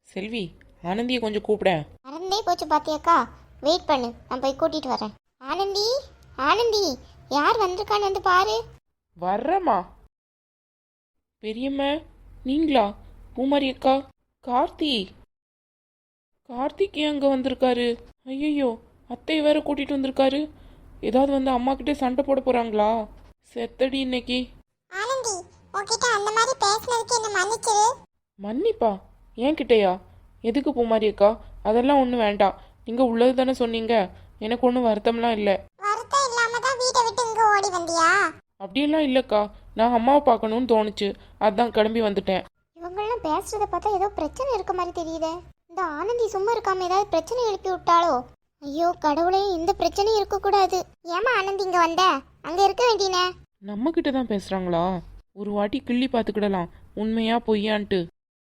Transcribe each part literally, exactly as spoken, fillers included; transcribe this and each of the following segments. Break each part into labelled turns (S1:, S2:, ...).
S1: செல்வி, ஆனந்தியை கொஞ்சம் கூப்பிட.
S2: மறந்தே போச்சு பாத்தியாக்கா. வெயிட் பண்ணு, நான் போய் கூட்டிட்டு வரேன். ஆனந்தி, ஆனந்தி, யார் வந்திருக்கான்னு வந்து பாரு.
S1: வர்றம்மா. பெரியம்மா, நீங்களா? பூமாரி அக்கா. கார்த்தி, கார்த்திக் ஏன் அங்கே வந்திருக்காரு? ஐயோ, அத்தை வேற கூட்டிட்டு வந்திருக்காரு. ஏதாவது வந்து அம்மா கிட்டே சண்டை போட போறாங்களா? செத்தடி இன்னைக்கு.
S2: ஆனந்தி, உன்கிட்ட அந்த மாதிரி பேசினதுக்கு என்ன மன்னிச்சிரு.
S1: மன்னிப்பா? ஏன் கிட்டையா? எதுக்கு பூமாரி அக்கா? அதெல்லாம் ஒன்றும் வேண்டாம். நீங்கள் உள்ளது தானே சொன்னீங்க. எனக்கு ஒன்றும் வருத்தம்லாம் இல்லை.
S2: வருத்தம் இல்லாம தான் வீட்டை விட்டு இங்க ஓடி வந்தியா?
S1: அப்படியெல்லாம் இல்லைக்கா. நான் அம்மாவை பார்க்கணும்னு தோணுச்சு, அதான் கிளம்பி வந்துட்டேன்.
S2: இவங்கெல்லாம் பேசுறத பார்த்தா ஏதோ பிரச்சனை இருக்க மாதிரி தெரியுதே. இந்த ஆனந்தி சும்மா இருக்காம ஏதாவது பிரச்சனை எழுப்பி விட்டாளோ? ஐயோ கடவுளே, இந்த பிரச்சனை இருக்கக்கூடாது. ஏமா ஆனந்தி இங்க வந்த? அங்க இருக்க வேண்டியனே.
S1: நம்ம கிட்ட தான் பேசுறாங்களா? ஒரு வாட்டி கிள்ளி பார்த்துக்கிடலாம், உண்மையா பொய்யான்ட்டு.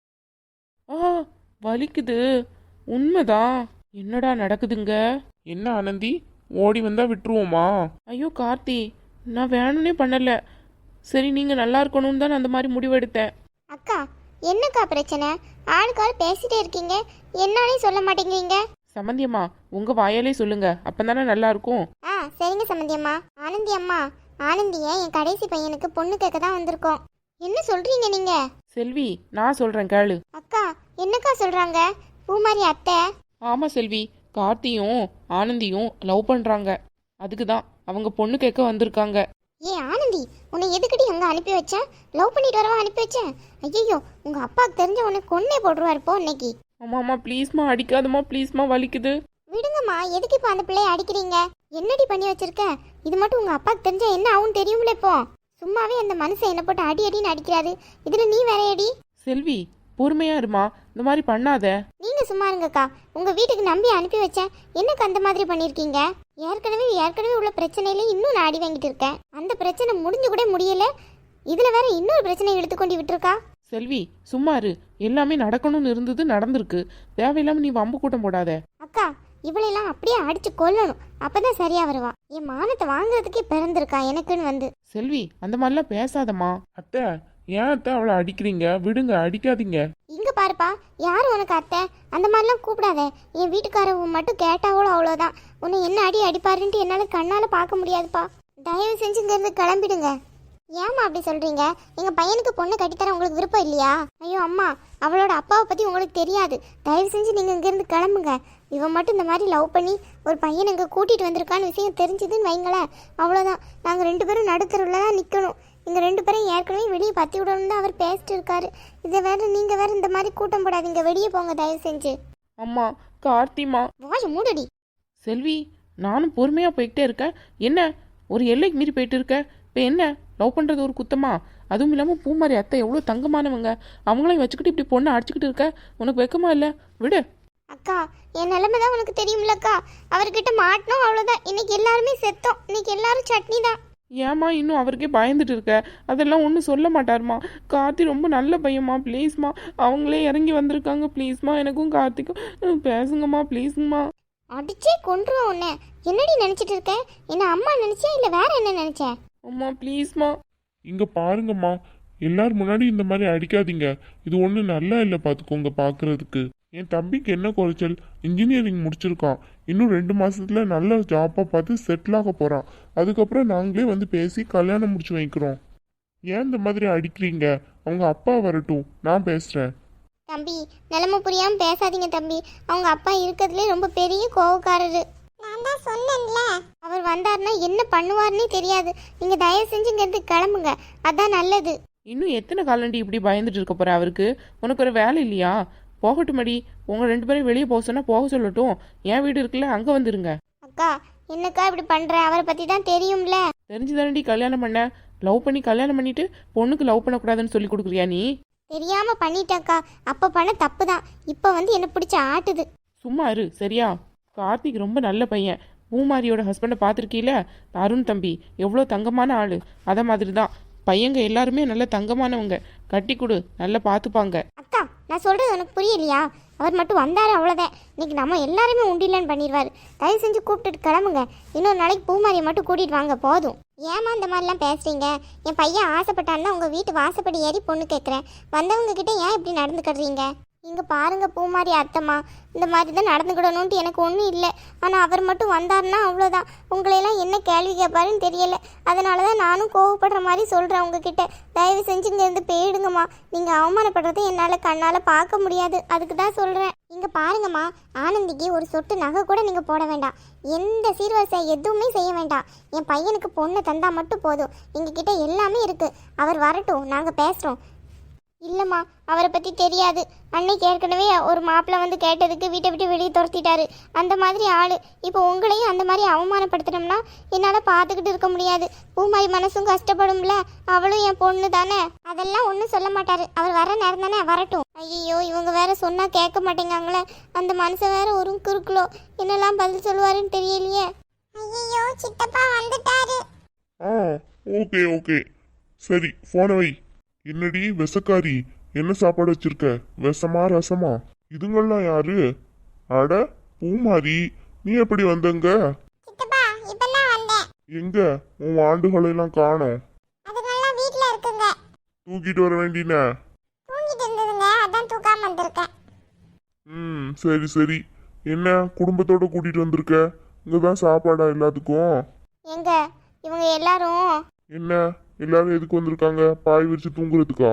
S1: ஆ, வலிக்குது. உண்மைதான். என்னடா நடக்குதுங்க?
S3: என்ன ஆனந்தி, ஓடி வந்தா விட்டுருவோமா?
S1: ஐயோ கார்த்தி, நான் வேணும்னே பண்ணல. சரி, நீங்க நல்லா இருக்கணும்னு தான் அந்த மாதிரி முடிவெடுத்தேன்.
S2: அக்கா, என்னக்கா பிரச்சனை? ஆளுக்காள் பேசிட்டே இருக்கீங்க, என்னாலே சொல்ல மாட்டேங்கிறீங்க.
S1: சம்மந்தியம்மா, உங்க வாயாலே சொல்லுங்க, அப்பதானே நல்லா இருக்கும்.
S2: ஆ சரிங்க சம்மந்தி அம்மா. ஆனந்தி அம்மா, ஆனந்திய என் கடைசி பையனுக்கு பொண்ணு கேட்க தான் வந்திருக்கோம். என்ன சொல்றீங்க நீங்க?
S1: செல்வி, நான் சொல்றேன் கேளு.
S2: அக்கா, என்னக்கா சொல்றாங்க? பூமாரி அத்தை?
S1: ஆமா செல்வி, கார்த்தியும் ஆனந்தியும் லவ் பண்றாங்க. அதுக்கு தான் அவங்க பொண்ணு கேட்க வந்திருக்காங்க.
S2: ஏ ஆனந்தி, உன்னை எதுக்கடி அங்க அனுப்பி வச்சேன்? லவ் பண்ணிட்டு வரவா அனுப்பி வச்சேன்? ஐயோ, உங்க அப்பாவுக்கு தெரிஞ்ச உன்னை கொன்னே போடுவாரு போ இன்னைக்கு.
S1: அம்மா அம்மா ப்ளீஸ்மா, அடிக்காதம்மா ப்ளீஸ்மா, வலிக்குது.
S2: விடுங்கம்மா, எதுக்கு இப்போ அந்த பிள்ளைய அடிக்கிறீங்க? என்னடி பண்ணி வச்சிருக்க? இது மட்டும் உங்க அப்பாவுக்கு தெரிஞ்சா என்ன ஆகும் தெரியும்ல? இப்போ சும்மாவே அந்த மனுஷன் என்ன போட்டு அடி அடின்னு அடிக்கிறாரு, இதுல நீ வேற அடி.
S1: செல்வி, பொறுமையா இருமா, இந்த மாதிரி பண்ணாத.
S2: நீங்க சும்மா இருங்கக்கா. உங்க வீட்டுக்கு நம்பி அனுப்பி வச்சேன், என்னக்கு அந்த மாதிரி பண்ணிருக்கீங்க? ஏற்கனவே ஏற்கனவே உள்ள பிரச்சனையில இன்னும் நான் அடி வாங்கிட்டு இருக்கேன். அந்த பிரச்சனை முடிஞ்சு கூட முடியல, இதுல வேற இன்னொரு பிரச்சனை எடுத்துக்கொண்டு விட்டுருக்கா.
S1: செல்வி, சும்மா இரு. எல்லாமே நடக்கணும்னு இருந்தது, நடந்திருக்கு. தேவையில்லாம நீ வம்பு கூட்டம் போடாத.
S2: அக்கா, இவளெல்லாம் அப்படியே அடிச்சு கொல்லணும், அப்பதான் சரியா வருவா. என் மானத்தை வாங்குறதுக்கே பிறந்திருக்கா எனக்குன்னு வந்து.
S1: செல்வி, அந்த மாதிரிலாம் பேசாதம்மா.
S3: அத்தை, ஏன் அத்தை அவளை அடிக்கிறீங்க? விடுங்க, அடிக்காதீங்க.
S2: இங்க பாருப்பா, யாரு உனக்கு அத்தை? அந்த மாதிரிலாம் கூப்பிடாத. என் வீட்டுக்காரவ மட்டும் கேட்டாவளோ அவ்வளோதான். உன்னை என்ன அடி அடிப்பாருன்ட்டு என்னால கண்ணால பார்க்க முடியாதுப்பா. தயவு செஞ்சு இங்க இருந்து கிளம்பிடுங்க. ஏமா அப்படி சொல்றீங்க? எங்க பையனுக்கு பொண்ணு கட்டித்தர உங்களுக்கு விருப்பம் இல்லையா? ஐயோ அம்மா, அவளோட அப்பாவை பத்தி உங்களுக்கு தெரியாது. தயவு செஞ்சு நீங்க இங்க இருந்து கிளம்புங்க. இவன் மட்டும் இந்த மாதிரி லவ் பண்ணி ஒரு பையன் இங்க கூட்டிட்டு வந்திருக்கான்னு விஷயம் தெரிஞ்சதுன்னு வைங்களேன், அவ்வளோதான். நாங்க ரெண்டு பேரும் நடுத்தருவில் தான் நிக்கணும். இங்க ரெண்டு பேரும் ஏற்கனவே வெளியே பத்தி விடணும் தான் அவர் பேசிட்டு இருக்காரு. இதை வேற நீங்க வேற இந்த மாதிரி கூட்டம் போடாதீங்க, வெளியே போங்க தயவு செஞ்சு.
S1: அம்மா, கார்த்திமா.
S2: வாய் மூடடி.
S1: செல்வி, நானும் பொறுமையா போய்கிட்டே இருக்கேன். என்ன ஒரு எல்லைக்கு மீறி போயிட்டு இருக்க? இப்போ என்ன, லவ் பண்றது ஒரு குத்தமா? அதுவும் இல்லாமல் பூமாரி அத்தை எவ்வளோ தங்கமானவங்க, அவங்களையும் வச்சுக்கிட்டு இப்படி பொண்ணை அடிச்சுக்கிட்டு இருக்க, உனக்கு வெக்கமா இல்லை? விடு.
S2: அக்கா, என் நிலைமை தான் உனக்கு தெரியும்லக்கா. அவர்கிட்ட மாட்டணும் அவ்வளோதான். இன்னைக்கு எல்லாருமே செத்தோம். இன்னைக்கு எல்லாரும் சட்னி தான்.
S1: ஏமா இன்னும் அவருக்கே பயந்துட்டு இருக்க? அதெல்லாம் ஒன்றும் சொல்ல மாட்டாருமா. கார்த்தி ரொம்ப நல்ல பையன்மா, ப்ளீஸ்மா. அவங்களே இறங்கி வந்திருக்காங்க, ப்ளீஸ்மா. எனக்கும் கார்த்திக்கும் பேசுங்கம்மா, ப்ளீஸுங்கம்மா.
S2: அடிச்சே கொன்றுவோம் உன்னை. என்னடி நினைச்சிட்டு இருக்க? என்ன அம்மா நினைச்சேன் இல்லை வேற என்ன நினைச்சேன்?
S1: அம்மா ப்ளீஸ்மா.
S3: இங்க பாருங்கம்மா, எல்லாரும் முன்னாடி இந்த மாதிரி அடிக்காதீங்க. இது ஒண்ணு நல்லா இல்லை, பாத்துக்கோங்க. பாக்குறதுக்கு என் தம்பிக்கு என்ன குறைச்சல்? இன்ஜினியரிங் முடிச்சிருக்கான். இன்னும் ரெண்டு மாசத்துல நல்ல ஜாப்பா பார்த்து செட்டில் ஆக போறான். அதுக்கப்புறம் நாங்களே வந்து பேசி கல்யாணம் முடிச்சு வைக்கிறோம். ஏன் இந்த மாதிரி அடிக்கிறீங்க? அவங்க அப்பா வரட்டும், நான் பேசுறேன்.
S2: தம்பி, நிலைமை புரியாம பேசாதீங்க தம்பி. அவங்க அப்பா இருக்கிறதுலே ரொம்ப பெரிய கோவக்காரரு. நான் தான் சொன்னேன்ல, அவர் வந்தாருன்னா என்ன பண்ணுவாருன்னே தெரியாது. நீங்க தயவு செஞ்சு இங்க இருந்து கிளம்புங்க, அதான் நல்லது.
S1: இன்னும் எத்தனை காலண்டி இப்படி பயந்துட்டு இருக்க போற? அவருக்கு உனக்கு ஒரு வேலை இல்லையா? போகட்டும் மடி. உங்க ரெண்டு பேரும் வெளியே போக சொன்னா போக சொல்லட்டும். என் வீடு இருக்குல்ல, அங்க வந்துருங்க.
S2: அக்கா, என்னக்கா இப்படி பண்ற? அவரை பத்தி தான் தெரியும்ல.
S1: தெரிஞ்சுதானடி கல்யாணம் பண்ண. லவ் பண்ணி கல்யாணம் பண்ணிட்டு பொண்ணுக்கு லவ் பண்ணக்கூடாதுன்னு சொல்லி கொடுக்குறியா நீ?
S2: தெரியாம பண்ணிட்டேன்க்கா. அப்ப பண்ண தப்பு தான். இப்ப வந்து என்ன பிடிச்ச ஆட்டுது.
S1: சும்மா இரு சரியா? கார்த்திக் ரொம்ப நல்ல பையன். பூமாரியோட ஹஸ்பண்டை பார்த்துருக்கீல, அருண் தம்பி எவ்வளோ தங்கமான ஆளு. அத மாதிரி தான் பையங்க எல்லாருமே நல்ல தங்கமானவங்க. கட்டி கொடு, நல்லா பார்த்துப்பாங்க.
S2: அக்கா, நான் சொல்றது உனக்கு புரியலையா? அவர் மட்டும் வந்தாரு அவ்வளோதான். இன்னைக்கு நம்ம எல்லாருமே உண்டிலன்னு பண்ணிடுவாரு. தயவு செஞ்சு கூப்பிட்டுட்டு கிளம்புங்க. இன்னொரு நாளைக்கு பூமாரியை மட்டும் கூட்டிட்டு வாங்க போதும். ஏமா இந்த மாதிரிலாம் பேசுறீங்க? என் பையன் ஆசைப்பட்டான்னா உங்க வீட்டு வாசப்படி ஏறி பொண்ணு கேட்குறேன். வந்தவங்க கிட்ட ஏன் இப்படி நடந்துக்கிடுறீங்க? இங்க பாருங்க பூமாரி அத்தம்மா, இந்த மாதிரி தான் நடந்துக்கிடணும்ட்டு எனக்கு ஒன்றும் இல்லை. ஆனால் அவர் மட்டும் வந்தாருன்னா அவ்வளோதான். உங்களையெல்லாம் என்ன கேள்வி கேட்பாருன்னு தெரியல. அதனால தான் நானும் கோவப்படுற மாதிரி சொல்கிறேன் உங்ககிட்ட. தயவு செஞ்சு இங்கேருந்து போயிடுங்கம்மா. நீங்கள் அவமானப்படுறதை என்னால் கண்ணால் பார்க்க முடியாது. அதுக்கு தான் சொல்கிறேன். இங்கே பாருங்கம்மா, ஆனந்திக்கு ஒரு சொட்டு நகை கூட நீங்கள் போட வேண்டாம். எந்த சீர்வரிசை எதுவுமே செய்ய வேண்டாம். என் பையனுக்கு பொண்ணு தந்தா மட்டும் போதும். எங்ககிட்ட எல்லாமே இருக்குது. அவர் வரட்டும், நாங்கள் பேசுகிறோம். இல்லைம்மா, அவரை பற்றி தெரியாது. அன்னைக்கு ஏற்கனவே ஒரு மாப்பிள்ளை வந்து கேட்டதுக்கு வீட்டை விட்டு வெளியே துரத்திட்டாரு. அந்த மாதிரி ஆள். இப்போ உங்களையும் அந்த மாதிரி அவமானப்படுத்தினோம்னா என்னால் பார்த்துக்கிட்டு இருக்க முடியாது. பூமாரி மனசும் கஷ்டப்படும்ல. அவளும் என் பொண்ணு தானே. அதெல்லாம் ஒன்றும் சொல்ல மாட்டாரு. அவர் வர நேரம் தானே, வரட்டும். ஐயோ, இவங்க வேற சொன்னால் கேட்க மாட்டேங்காங்களே. அந்த மனுஷன் வேற ஒரு குறுக்குலோ. என்னெல்லாம் பதில் சொல்லுவாருன்னு தெரியலையே. ஐயோ, சித்தப்பா வந்துட்டாரு.
S3: ஆ ஓகே ஓகே சரி, போன வை. என்னடி விஷக்காரி, என்ன சாப்பாடு வச்சிருக்க? விஷமா ரசமா? இதுங்கெல்லாம் யாரு? அட பூமாரி, நீ எப்படி வந்தங்க?
S2: சித்தப்பா, இப்பதான் வந்தேன்.
S3: எங்க உன் ஆண்டுகளெல்லாம் காணோம்?
S2: அதுங்கெல்லாம் வீட்ல இருக்குங்க.
S3: தூக்கிட்டு வர வேண்டின.
S2: தூங்கிட்டு இருந்ததுங்க, அதான் தூக்காம வந்திருக்கேன்.
S3: ம் சரி சரி. என்ன குடும்பத்தோட கூட்டிட்டு வந்திருக்க? இங்கதான் சாப்பாடா எல்லாத்துக்கும்?
S2: எங்க இவங்க எல்லாரும்?
S3: என்ன எல்லாரும் எதுக்கு வந்திருக்காங்க? பாய் விரிச்சு தூங்குறதுக்கா?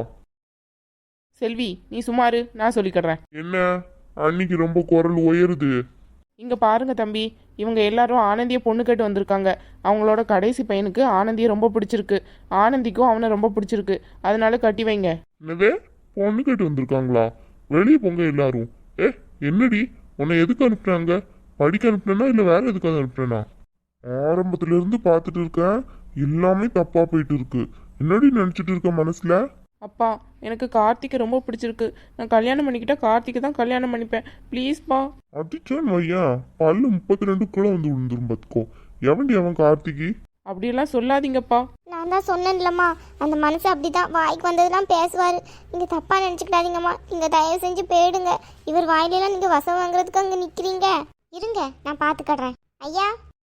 S1: செல்வி, நீ சுமாரு, நான் சொல்லிக்கிறேன்.
S3: என்ன அன்னைக்கு ரொம்ப குரல் உயருது?
S1: இங்கே பாருங்க தம்பி, இவங்க எல்லாரும் ஆனந்தியை பொண்ணு கேட்டு வந்திருக்காங்க. அவங்களோட கடைசி பையனுக்கு ஆனந்தியை ரொம்ப பிடிச்சிருக்கு. ஆனந்திக்கும் அவனை ரொம்ப பிடிச்சிருக்கு. அதனால கட்டி வைங்க.
S3: என்னது, பொண்ணு கேட்டு வந்திருக்காங்களா? வெளியே போங்க எல்லாரும். ஏ என்னடி, உன்னை எதுக்கு அனுப்புனாங்க? படிக்க அனுப்புனா இல்லை வேற எதுக்காக அனுப்புனா? ஆரம்பத்துல இருந்து பார்த்துட்டு இருக்கேன், எல்லாமே தப்பா போயிட்டு இருக்கு. என்னடி நினைச்சிட்டு இருக்க மனசுல?
S1: அப்பா, எனக்கு கார்த்திகை ரொம்ப பிடிச்சிருக்கு. நான் கல்யாணம் பண்ணிக்கிட்டா கார்த்திகை தான் கல்யாணம் பண்ணிப்பேன். ப்ளீஸ்ப்பா.
S3: அடிச்சான் வையா, பல்லு முப்பத்தி ரெண்டுக்குள்ள வந்து விழுந்துரும் பார்த்துக்கோ. எவன்டி அவன் கார்த்திகி?
S1: அப்படியெல்லாம் சொல்லாதீங்கப்பா.
S2: நான் தான் சொன்னேன்லம்மா, அந்த மனுஷன் அப்படிதான் வாய்க்கு வந்ததுலாம் பேசுவார். நீங்கள் தப்பாக நினச்சிக்கிடாதீங்கம்மா. நீங்கள் தயவு செஞ்சு போயிடுங்க. இவர் வாயிலெல்லாம் நீங்கள் வசம் வாங்குறதுக்கு அங்கே நிற்கிறீங்க. இருங்க, நான் பார்த்துக்கடுறேன். ஐயா,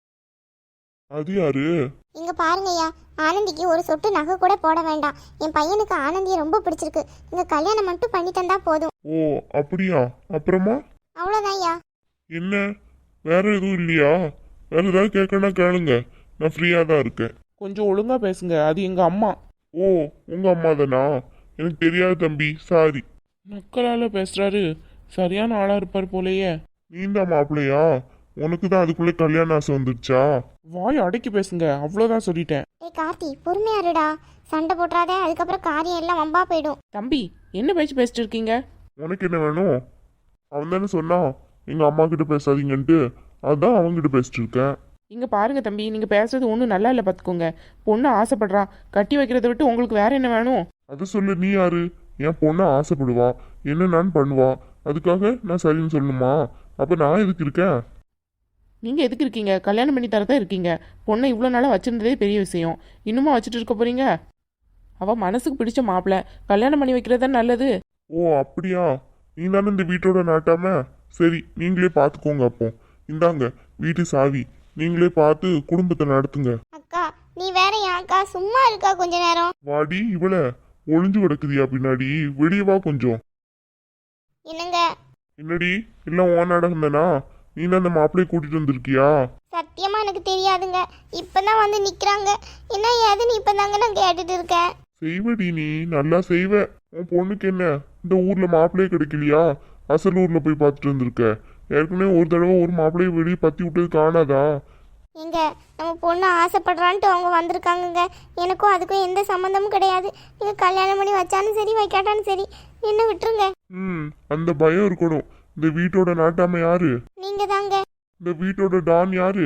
S3: அது யாரு?
S2: இங்கே பாருங்க ஐயா, ஆனந்திக்கு ஒரு சொட்டு நகை கூட போட வேண்டாம். என் பையனுக்கு ஆனந்தியை ரொம்ப பிடிச்சிருக்கு. நீங்கள் கல்யாணம் மட்டும் பண்ணி தந்தா போதும்.
S3: ஓ அப்படியா? அப்புறமா
S2: அவ்வளோதான் ஐயா.
S3: என்ன, வேற எதுவும் இல்லையா? வேற ஏதாவது கேட்கணும்னா கேளுங்க, நான் ஃப்ரீயா தான் இருக்கேன்.
S1: கொஞ்சம் ஒழுங்கா பேசுங்க, அது எங்க அம்மா.
S3: ஓ உங்க அம்மா தானா? எனக்கு தெரியாது தம்பி, சாரி.
S1: நக்கலால பேசுறாரு. சரியான ஆளா இருப்பார் போலயே.
S3: நீந்தான் மாப்பிள்ளையா? உனக்கு தான் அதுக்குள்ளே கல்யாண ஆசை வந்துருச்சா?
S1: வாய் அடக்கி பேசுங்க, அவ்வளோதான் சொல்லிட்டேன்.
S2: ஏய் கார்த்தி, பொறுமையா இருடா. சண்டை போட்டுறாதே, அதுக்கப்புறம் காரியம் எல்லாம் வம்பா போயிடும்.
S1: தம்பி, என்ன பேச்சு பேசிட்டு இருக்கீங்க?
S3: உனக்கு என்ன வேணும்? அவன் தானே சொன்னான் எங்க அம்மா கிட்ட பேசாதீங்கன்ட்டு, அதான் அவன்கிட்ட பேசிட்டு இருக்கேன்.
S1: இங்க பாருங்க தம்பி, நீங்க பேசுறது ஒன்றும் நல்லா இல்லை பார்த்துக்கோங்க. பொண்ணு ஆசைப்படுறா, கட்டி வைக்கிறத விட்டு உங்களுக்கு வேற என்ன வேணும்?
S3: அது சொல்லு, நீ யாரு? என் பொண்ணை ஆசைப்படுவா, என்ன நான் பண்ணுவா, அதுக்காக நான் சரின்னு சொல்லணுமா? அப்ப நான் எதுக்கு இருக்கேன்?
S1: நீங்க எதுக்கு இருக்கீங்க? கல்யாணம் பண்ணி தரதான் இருக்கீங்க. பொண்ணை இவ்வளோ நாளாக வச்சிருந்ததே பெரிய விஷயம். இன்னுமா வச்சுட்டு இருக்க போறீங்க? அவ மனசுக்கு பிடிச்ச மாப்பிள்ள, கல்யாணம் பண்ணி வைக்கிறது தான் நல்லது.
S3: ஓ அப்படியா? நீ தானே இந்த வீட்டோட நாட்டாம? சரி, நீங்களே பார்த்துக்கோங்க. அப்போ இந்தாங்க வீட்டு சாவி, நீங்களே பார்த்து குடும்பத்தை நடத்துங்க.
S2: அக்கா, நீ வேற யாக்கா சும்மா இருக்கா கொஞ்ச நேரம்?
S3: வாடி, இவள ஒளிஞ்சு கிடக்குதியா பின்னாடி? வெளியே வா கொஞ்சம்.
S2: என்னங்க?
S3: என்னடி, எல்லாம் ஓ நாடகம் தானா? நீ தான் அந்த மாப்பிள்ளையை கூட்டிட்டு வந்திருக்கியா?
S2: சத்தியமா எனக்கு தெரியாதுங்க. இப்பதான் வந்து நிக்கிறாங்க. என்ன ஏதுன்னு இப்பதாங்க நான் கேட்டுட்டு இருக்கேன்.
S3: செய்வடி, நீ நல்லா செய்வ. உன் பொண்ணுக்கு என்ன இந்த ஊர்ல மாப்பிள்ளையே கிடைக்கலையா? அசல் ஊர்ல போய் பார்த்துட்டு வந்திருக்க. ஏற்கனவே ஒரு தடவை ஒரு மாப்பிள்ளையை வெளியே பத்தி விட்டது காணாதா?
S2: எங்க நம்ம பொண்ணு ஆசைப்படுறான்ட்டு அவங்க வந்திருக்காங்கங்க. எனக்கும் அதுக்கும் எந்த சம்மந்தமும் கிடையாது. நீங்க கல்யாணம் பண்ணி வச்சாலும் சரி வைக்காட்டாலும் சரி, என்ன விட்டுருங்க.
S3: ம் அந்த பயம் இருக்கணும். இந்த வீட்டோட நாட்டாம யாரு?
S2: நீங்க தாங்க.
S3: இந்த வீட்டோட டான் யாரு?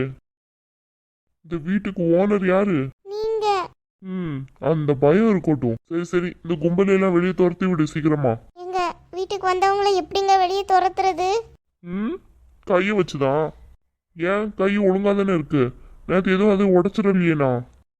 S3: இந்த வீட்டுக்கு ஓனர் யாரு?
S2: நீங்க.
S3: ம் அந்த பயம் இருக்கட்டும். சரி சரி, இந்த கும்பலையெல்லாம் வெளியே துரத்தி விடு சீக்கிரமா.
S2: எங்க வீட்டுக்கு வந்தவங்கள எப்படிங்க வெளியே துரத்துறது?
S3: ம் கையை வச்சுதான். ஏன் கை ஒழுங்கா தானே இருக்கு? நேற்று எதுவும் அதை உடச்சிடலையேண்ணா.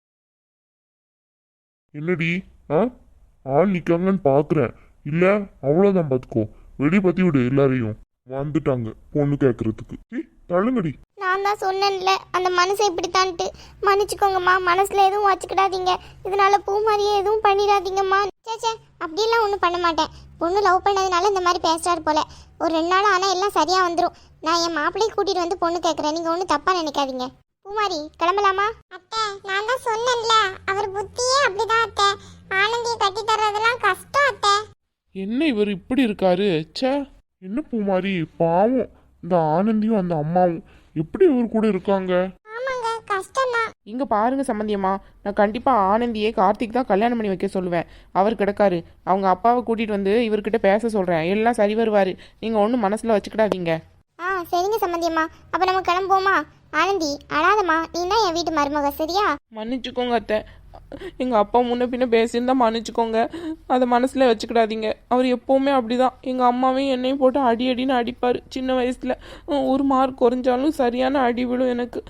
S3: என்னடி, ஆ ஆள் நிக்காங்கன்னு பாக்குறேன். இல்ல அவ்வளவுதான், பாத்துக்கோ. வெளியே பத்தி விடு எல்லாரையும். வந்துட்டாங்க பொண்ணு கேட்கறதுக்கு. தள்ளுங்கடி.
S2: நான் தான் சொன்னேன்ல அந்த மனசை இப்படித்தான்ட்டு. மன்னிச்சுக்கோங்கம்மா, மனசுல எதுவும் வச்சுக்கிடாதீங்க. இதனால பூ மாதிரியே எதுவும் பண்ணிடாதீங்கம்மா. சே சே அப்படிலாம் ஒன்றும் பண்ண மாட்டேன். பொண்ணு லவ் பண்ணதுனால இந்த மாதிரி பேசுறாரு போல. ஒரு ரெண்டு நாள் ஆனால் எல்லாம் சரியாக வந்துடும். நான் என் மாப்பிள்ளையை கூட்டிகிட்டு வந்து பொண்ணு கேட்குறேன். நீங்கள் ஒன்றும் தப்பாக நினைக்காதீங்க. பூமாரி கிளம்பலாமா? அத்தை நான் தான் சொன்னேன்ல, அவர் புத்தியே அப்படிதான் அத்தை. ஆனந்தியை கட்டி தர்றதெல்லாம் கஷ்டம் அத்தை.
S1: என்ன இவர் இப்படி இருக்காரு? ச்சே.
S3: என்ன பூமாரி, பாவம் இந்த ஆனந்தியும் அந்த அம்மாவும் எப்படி இவர் கூட இருக்காங்க?
S2: ஆமாங்க, கஷ்டம் தான்.
S1: இங்கே பாருங்க சம்மந்தியம்மா, நான் கண்டிப்பாக ஆனந்தியே கார்த்திக் தான் கல்யாணம் பண்ணி வைக்க சொல்லுவேன். அவர் கிடக்காரு. அவங்க அப்பாவை கூட்டிகிட்டு வந்து இவர்கிட்ட பேச சொல்கிறேன். எல்லாம் சரி வருவார். நீங்கள் ஒன்றும் மனசில் வச்சுக்கிடாதீங்க.
S2: ஆ சரிங்க சம்மந்தியம்மா, அப்போ நம்ம கிளம்புவோமா? ஆனந்தி அழாதம்மா, நீ தான் என் வீட்டு மருமக சரியா?
S1: மன்னிச்சுக்கோங்க அத்தை. எங்கள் அப்பா முன்ன பின்ன பேசியிருந்தா மன்னிச்சுக்கோங்க. அதை மனசில் வச்சுக்கிடாதீங்க. அவர் எப்போவுமே அப்படிதான். எங்கள் அம்மாவையும் என்னையும் போட்டு அடி அடின்னு அடிப்பார். சின்ன வயசில் ஒரு மார்க் குறைஞ்சாலும் சரியான அடி விழும் எனக்கு.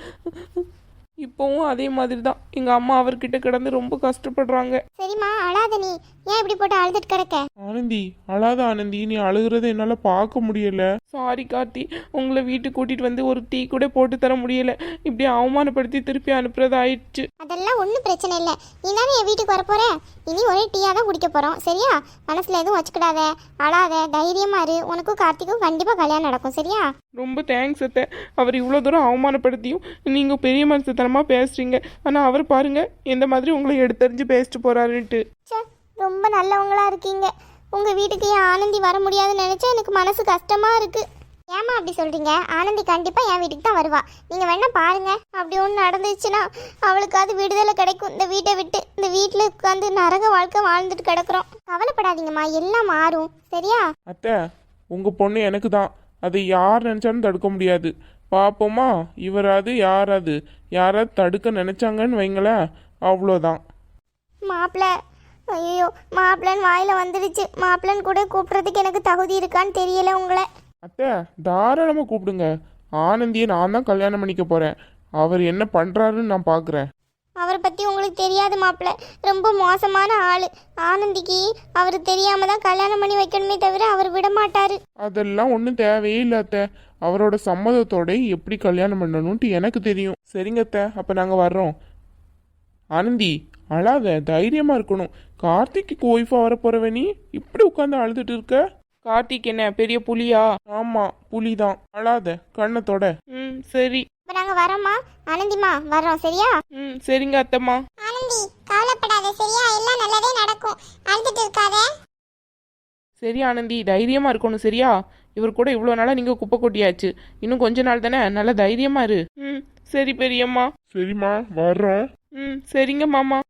S1: இப்போவும் அதே மாதிரி தான். எங்கள் அம்மா அவர்கிட்ட கிடந்து ரொம்ப கஷ்டப்படுறாங்க.
S2: சரிம்மா அழாத, நீ ஏன் இப்படி போட்டு அழுதுட்டு கிடக்க?
S3: ஆனந்தி அழாத ஆனந்தி, நீ அழுகிறத என்னால் பார்க்க முடியல.
S1: சாரி கார்த்தி, உங்களை வீட்டுக்கு கூட்டிகிட்டு வந்து ஒரு டீ கூட போட்டு தர முடியல. இப்படி அவமானப்படுத்தி திருப்பி அனுப்புறது ஆயிடுச்சு.
S2: அதெல்லாம் ஒன்றும் பிரச்சனை இல்லை. நீ தானே என் வீட்டுக்கு வரப்போற. இனி ஒரே டீயாக தான் குடிக்க போகிறோம் சரியா? மனசில் எதுவும் வச்சுக்கிடாத, அழாத, தைரியமா இரு. உனக்கும் கார்த்திக்கும் கண்டிப்பாக கல்யாணம் நடக்கும் சரியா?
S1: ரொம்ப தேங்க்ஸ் அத்தை. அவர் இவ்வளோ தூரம் அவமானப்படுத்தியும் நீங்கள் பெரிய மனுஷத்தனமாக பேசுகிறீங்க. ஆனால் அவர் பாருங்க எந்த மாதிரி உங்களை எடுத்தறிஞ்சு பேசிட்டு போகிறாருன்ட்டு.
S2: ச்சே, ரொம்ப நல்லவங்களா இருக்கீங்க. உங்கள் வீட்டுக்கு என் ஆனந்தி வர முடியாதுன்னு நினச்சா எனக்கு மனசு கஷ்டமாக இருக்குது. ஏமா அப்படி சொல்கிறீங்க? ஆனந்தி கண்டிப்பாக என் வீட்டுக்கு தான் வருவா. நீங்கள் வேணா பாருங்க. அப்படி ஒன்று நடந்துச்சுன்னா அவளுக்கு அது விடுதலை கிடைக்கும். இந்த வீட்டை விட்டு இந்த வீட்டில் உட்காந்து நரக வாழ்க்கை வாழ்ந்துட்டு கிடக்குறோம். கவலைப்படாதீங்கம்மா, எல்லாம் மாறும் சரியா?
S3: அத்தை, உங்கள் பொண்ணு எனக்கு தான். அதை யார் நினச்சாலும் தடுக்க முடியாது. பார்ப்போமா? இவராது யாராது யாராவது தடுக்க நினச்சாங்கன்னு வைங்களேன், அவ்வளோதான்.
S2: மாப்பிள்ள, ஐயோ மாப்பிள்ளன்னு வாயில் வந்துடுச்சு. மாப்பிள்ளன்னு கூட கூப்பிட்றதுக்கு எனக்கு தகுதி இருக்கான்னு தெரியல உங்களை.
S3: அத்தை தாராளமாக கூப்பிடுங்க. ஆனந்தியை நான் தான் கல்யாணம் பண்ணிக்க போகிறேன். அவர் என்ன பண்ணுறாருன்னு நான் பார்க்குறேன்.
S2: அவரை பற்றி உங்களுக்கு தெரியாது மாப்பிள்ள. ரொம்ப மோசமான ஆள். ஆனந்திக்கு அவர் தெரியாம தான் கல்யாணம் பண்ணி வைக்கணுமே தவிர அவர் விட மாட்டாரு.
S3: அதெல்லாம் ஒன்றும் தேவையே இல்லை அத்தை. அவரோட சம்மதத்தோட எப்படி கல்யாணம் பண்ணணும்ட்டு எனக்கு தெரியும். சரிங்க அத்தை, அப்போ நாங்கள் வர்றோம். ஆனந்தி அழாத, தைரியமாக இருக்கணும். கார்த்திக்கு ஒய்ஃபாக வரப்போறவ நீ இப்படி உட்காந்து அழுதுட்டு இருக்க?
S1: கார்த்திக் என்ன பெரிய புலியா?
S3: ஆமாம், புலிதான். அழாத, கண்ணத்தோட.
S1: ம் சரி.
S2: இப்போ நாங்கள் வரோம்மா. ஆனந்திமா வர்றோம் சரியா?
S1: ம் சரிங்க அத்தைம்மா.
S2: ஆனந்தி கவலைப்படாத சரியா? எல்லாம் நல்லதே நடக்கும். அழுதுட்டு இருக்காத.
S1: சரி ஆனந்தி, தைரியமாக இருக்கணும் சரியா? இவர் கூட இவ்வளோ நாளாக நீங்கள் குப்பை கொட்டியாச்சு. இன்னும் கொஞ்ச நாள் தானே, நல்லா தைரியமாக இரு. ம் சரி பெரியம்மா.
S3: சரிம்மா, வர்றோம்.
S1: ம் சரிங்க மாமா.